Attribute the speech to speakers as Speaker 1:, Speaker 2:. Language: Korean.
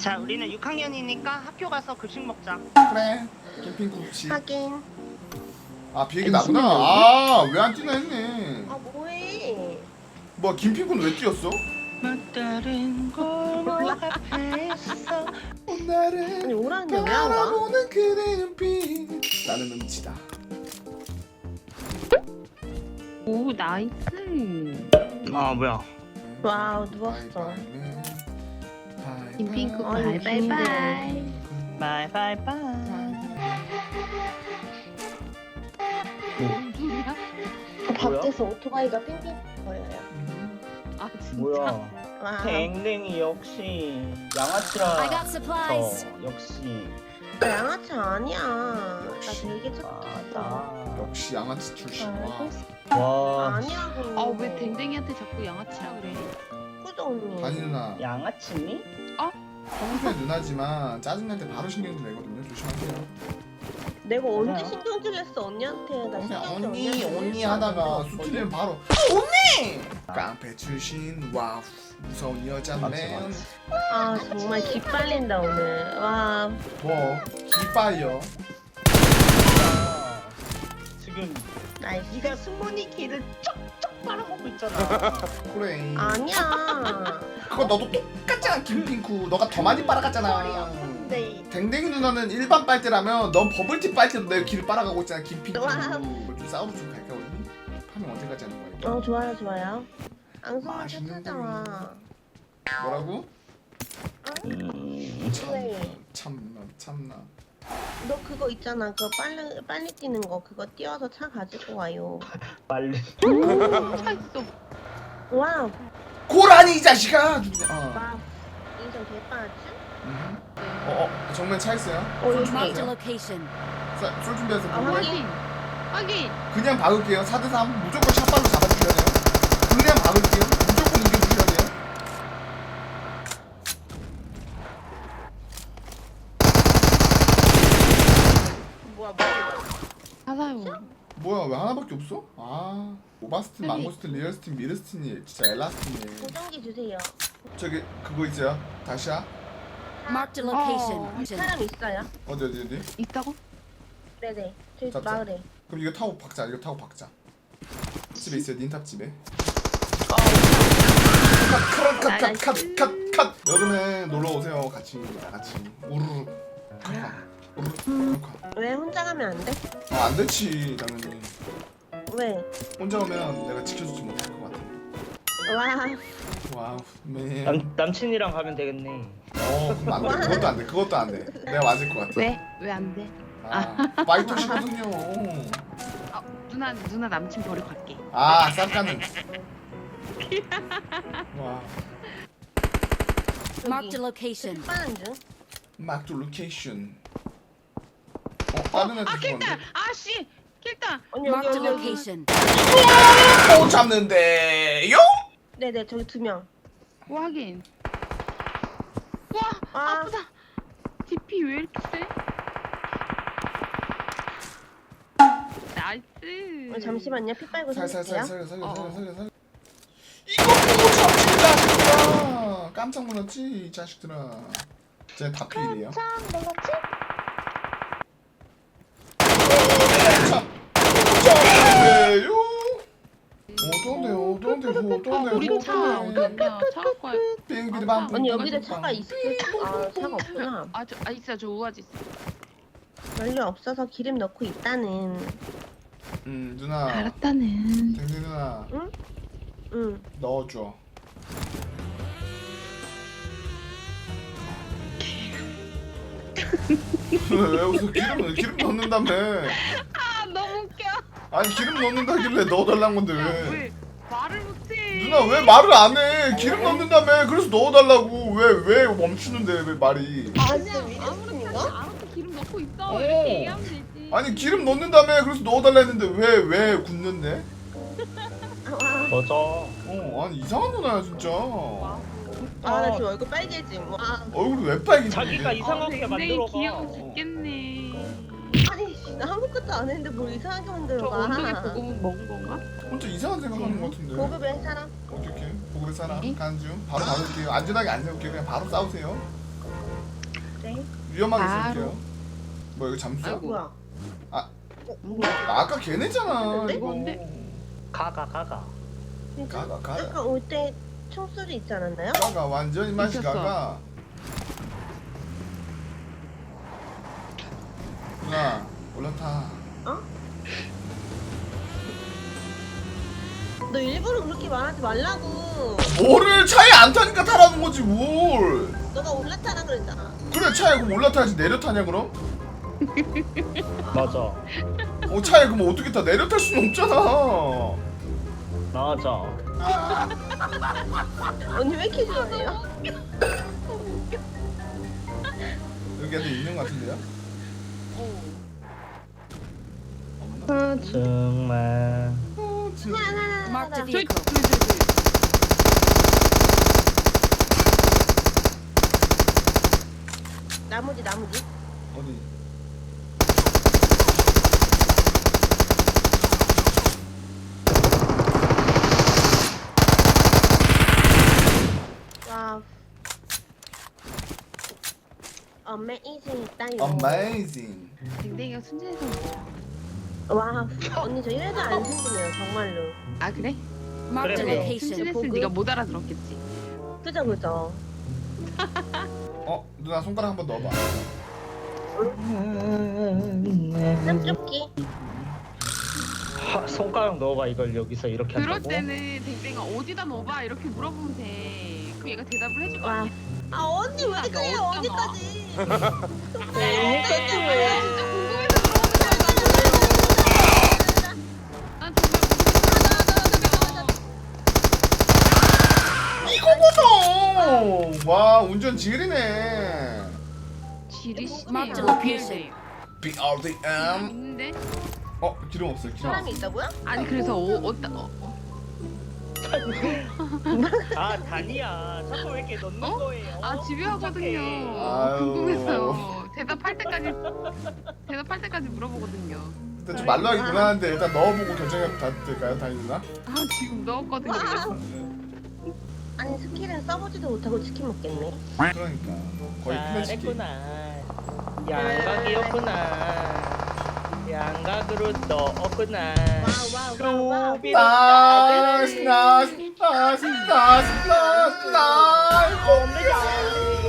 Speaker 1: 자, 우리는 6학년이니까 학교 가서 급식 먹자.
Speaker 2: 그래. 캠핑국지.
Speaker 3: 하긴.
Speaker 2: 아 비행기 나구나. 아 왜 안 뛰나 했네.
Speaker 3: 아 뭐해?
Speaker 2: 뭐야 김핑군 왜 뛰었어?
Speaker 1: 막다른 골목 앞에 있어.
Speaker 2: 오늘은
Speaker 3: 아니 오라는데 왜 안 가?
Speaker 2: 바라보는 그대 눈빛. 나는 음치다.
Speaker 4: 오 나이스.
Speaker 1: 아, 뭐야.
Speaker 3: 와우 누웠어.
Speaker 4: 김핑크
Speaker 3: 아유,
Speaker 4: 바이바이바이.
Speaker 1: 바이바이바이.
Speaker 4: 뭔 소리야?
Speaker 3: 밖에서 오토바이가 빙빙 거려요.
Speaker 4: 아 진짜?
Speaker 5: 뭐야?
Speaker 3: 와.
Speaker 5: 댕댕이 역시
Speaker 6: I
Speaker 5: 양아치라.
Speaker 6: got supplies.
Speaker 5: 역시
Speaker 3: 나 양아치 아니야. 나 되게 착했어.
Speaker 5: 맞아.
Speaker 2: 역시 양아치 출신. 와.
Speaker 5: 와.
Speaker 3: 아니라고.
Speaker 4: 아 왜 댕댕이한테 자꾸 양아치라 그래?
Speaker 3: 그죠 언니?
Speaker 2: 아니 누나.
Speaker 5: 양아치니?
Speaker 2: 평소에 누나지만 짜증날 때 바로 신경질 내거든요. 조심하세요.
Speaker 3: 내가 언제
Speaker 5: 맞아요.
Speaker 3: 신경질 냈어 언니한테? 나
Speaker 2: 그냥
Speaker 3: 신경질
Speaker 2: 언니
Speaker 3: 언니한테
Speaker 2: 언니
Speaker 3: 냈어.
Speaker 2: 하다가 수틀리면 바로 언니. 깡패 출신. 와우 무서운 여자네.
Speaker 5: 맞지.
Speaker 3: 아 정말 기빨린다 오늘. 와.
Speaker 2: 뭐 기빨려.
Speaker 5: 아, 지금
Speaker 3: 나이스.
Speaker 1: 네가 승문이 길을 쩍쩍 빨아먹고 있잖아.
Speaker 2: 그래.
Speaker 3: 아니야.
Speaker 2: 그거 너도 똑같잖아 김핑쿠. 너가 더 많이 빨아갔잖아.
Speaker 3: 네.
Speaker 2: 댕댕이 누나는 일반 빨대라면 넌 버블티 빨대로 내 길을 빨아가고 있잖아 김핑쿠.
Speaker 3: 와우.
Speaker 2: 좀 싸우러 좀 갈까 우리? 파밍 언제까지 하는 거야?
Speaker 3: 어 좋아요 좋아요. 앙송을
Speaker 2: 맛있는
Speaker 3: 찾아와.
Speaker 2: 뭐라고?
Speaker 3: 네.
Speaker 2: 참나.
Speaker 3: 너 그거 있잖아. 그거 빨리 뛰는 거 그거 띄워서 차 가지고 와요.
Speaker 5: 빨리.
Speaker 4: 차 있어.
Speaker 3: 와우.
Speaker 2: 고라니 이 자식아!
Speaker 3: 와우. 인정 개빠지?
Speaker 2: 정면 차 있어요?
Speaker 3: 어
Speaker 2: 술
Speaker 6: Marked a
Speaker 3: 여기.
Speaker 6: location.
Speaker 2: 술 준비해서
Speaker 3: 아,
Speaker 2: 보고.
Speaker 4: 확인. 확인.
Speaker 2: 그냥 박을게요 4대3 무조건 샷발로 잡아주셔야 돼요. 그냥 박을게요 무조건 이겨주셔야 돼요.
Speaker 3: 뭐야.
Speaker 4: 사사요.
Speaker 2: 뭐야 왜 하나밖에 없어? 아 오바스틴,
Speaker 4: 아니.
Speaker 2: 망고스틴, 리얼스틴, 미르스틴이 진짜 엘라스틴이네.
Speaker 3: 보정기 주세요.
Speaker 2: 저기 그거 있어요? 다시야?
Speaker 6: Marked a
Speaker 4: Oh.
Speaker 6: location.
Speaker 3: 사람 있어요?
Speaker 2: 어디?
Speaker 4: 있다고?
Speaker 3: 네네. 저희
Speaker 2: 잡자.
Speaker 3: 마을에.
Speaker 2: 그럼 이거 타고 박자. 집에 있어요 닌탑 집에. 컷. 여름에 놀러 오세요 같이 나같이 우르르 우르르.
Speaker 3: 왜 혼자 가면 안 돼?
Speaker 2: 안 되지 당연히.
Speaker 3: 왜?
Speaker 2: 혼자 오면 내가 지켜주지 못할 것 같아.
Speaker 3: 와.
Speaker 2: 와우 맨.
Speaker 5: 남친이랑 가면 되겠네.
Speaker 2: 그럼 안 돼. 그것도 안 돼. 내가 맞을 것 같아.
Speaker 4: 왜? 왜 안 돼?
Speaker 2: 파이터시거든요.
Speaker 4: 아 누나 남친 버리고 갈게.
Speaker 2: 쌈까는. 와
Speaker 6: Marked a location.
Speaker 3: 빠는 중.
Speaker 2: 막도 로케이션. 다른 애들
Speaker 4: 킬당.
Speaker 2: 죽었는데.
Speaker 4: 아씨 킬당.
Speaker 3: 언니 여기
Speaker 6: Marked a
Speaker 3: 여기 여기.
Speaker 6: location.
Speaker 2: 못 잡는데요?
Speaker 3: 네네 저기 2명.
Speaker 4: 확인. 와
Speaker 3: 아.
Speaker 4: 아프다. DP 왜 이렇게 세? 나이스.
Speaker 3: 잠시만요. 피 빨고
Speaker 2: 살살
Speaker 3: 살릴게요.
Speaker 2: 살려. 이거 보고 잡지 자식들아. 깜짝 놀랐지 이 자식들아. 쟤다 필이에요.
Speaker 3: 참 놀랐지?
Speaker 2: 어떤데요?
Speaker 4: 우리 차 어딨냐? 차 갖고 와.
Speaker 2: 비행기를 반.
Speaker 3: 언니 여기도 차가 있어. 아 차가 없구나.
Speaker 4: 아 있어 저 우아지 있어.
Speaker 3: 연료 없어서 기름 넣고 있다는.
Speaker 2: 누나.
Speaker 4: 알았다는.
Speaker 2: 댕댕 누나
Speaker 3: 응.
Speaker 2: 넣어줘. 왜 웃어? 기름 넣는다며.
Speaker 4: 아 너무 웃겨.
Speaker 2: 아니 기름 넣는다길래 넣어달란 건데 왜?
Speaker 4: 왜 말을 못해?
Speaker 2: 누나 왜 말을 안 해? 기름 넣는다며. 그래서 넣어달라고. 왜 멈추는데 왜 말이?
Speaker 3: 아
Speaker 4: 그냥 아무렇지 않게 알아서 기름 넣고 있어.
Speaker 2: 오.
Speaker 4: 이렇게 얘기하면 되지.
Speaker 2: 아니 기름 넣는다며. 그래서 넣어달라 했는데 왜 굳는데?
Speaker 5: 맞아.
Speaker 2: 아니 이상한 누나야 진짜.
Speaker 3: 아나 지금 얼굴 빨개짐. 와.
Speaker 2: 얼굴이 왜 빨개지지?
Speaker 5: 자기가 이상하게
Speaker 4: 굉장히
Speaker 5: 만들어가.
Speaker 4: 귀여워 죽겠네.
Speaker 3: 아니 나 아무것도 안 했는데 뭘 이상하게
Speaker 4: 저
Speaker 3: 만들어가.
Speaker 4: 엉덩이 보고 먹은 건가?
Speaker 2: 혼자 이상한 생각하는 것 같은데.
Speaker 3: 고급의 사람.
Speaker 2: 어떻게? 보급의 사람
Speaker 4: 응?
Speaker 2: 가는 중. 바로 받을게요. 안전하게 안 세울게요. 그냥 바로 싸우세요.
Speaker 3: 네.
Speaker 2: 위험하게
Speaker 4: 바로.
Speaker 2: 쓸게요. 뭐 이거 잠수야?
Speaker 4: 아이고.
Speaker 3: 뭐야?
Speaker 2: 아까 걔네잖아.
Speaker 3: 근데?
Speaker 2: 이거.
Speaker 4: 뭔데?
Speaker 5: 가가.
Speaker 3: 진짜?
Speaker 2: 가가.
Speaker 3: 아까 올 때 총소리 있지 않았나요?
Speaker 2: 가가 완전히 맛이
Speaker 4: 미쳤어.
Speaker 2: 가가. 누나 올라타.
Speaker 3: 너 일부러 그렇게 말하지 말라고.
Speaker 2: 뭐를 차에 안 타니까 타라는 거지 뭘.
Speaker 3: 너가 올라타라 그랬잖아.
Speaker 2: 그래 차에 그럼 올라타야지 내려 타냐 그럼?
Speaker 5: 맞아.
Speaker 2: 차에 그럼 어떻게 타? 내려 탈 수는 없잖아.
Speaker 5: 맞아.
Speaker 3: 언니 왜 이렇게 좋아해요?
Speaker 2: 여기 애들 있는 거 같은데요?
Speaker 5: 아, 정말.
Speaker 2: 지금
Speaker 6: Marked a
Speaker 4: 저기
Speaker 6: vehicle.
Speaker 3: 나머지.
Speaker 2: 어디?
Speaker 3: 와. 어메이징 있다요.
Speaker 2: Amazing.
Speaker 4: 댕댕이가 순진해서
Speaker 3: 와, 언니 저 1도 안 생기네요, 정말로.
Speaker 4: 아 그래?
Speaker 6: Marked a
Speaker 5: 그래.
Speaker 6: location.
Speaker 4: 순진했으면
Speaker 3: 보고.
Speaker 4: 네가 못 알아들었겠지.
Speaker 3: 그죠.
Speaker 2: 누나 손가락 한번 넣어봐.
Speaker 3: 쌈쪽기.
Speaker 5: 손가락 넣어봐 이걸 여기서 이렇게
Speaker 4: 그럴
Speaker 5: 한다고?
Speaker 4: 때는 댕댕아 어디다 넣어봐 이렇게 물어보면 돼. 그럼 얘가 대답을 해줄 거
Speaker 3: 와.
Speaker 4: 아니야.
Speaker 3: 아, 언니 왜 이렇게 그래요,
Speaker 4: 어디다
Speaker 3: 언니까지.
Speaker 5: 여기까지
Speaker 4: 아,
Speaker 5: 왜?
Speaker 4: 진짜 궁금해서 물어보는 거야. 난 정말
Speaker 2: 이거거든. 와 운전 지리네.
Speaker 4: 지리시네요.
Speaker 6: Marked a location.
Speaker 2: BRDM.
Speaker 4: 있는데?
Speaker 2: 기름 없어요. 기름.
Speaker 3: 사람이 있다고요?
Speaker 4: 아니 그래서
Speaker 5: 아 다니야. 자꾸 왜 이렇게 넣는
Speaker 4: 어?
Speaker 5: 거예요?
Speaker 4: 아 집요하거든요.
Speaker 2: 아유.
Speaker 4: 궁금해서요. 대답할 때까지 물어보거든요.
Speaker 2: 일단 좀 말로 하기 곤란한데 일단 넣어보고 결정해 봐도 될까요, 다니 누나?
Speaker 4: 아 지금 넣었거든요.
Speaker 3: 와. 아니, 스킬은 써보지도 못하고 치킨 먹겠네.
Speaker 2: 그러니까 거의 플래시기.
Speaker 5: 잘했구나. 양각이었구나. 양각으로 넣었구나.
Speaker 3: 와우.
Speaker 2: 나이스.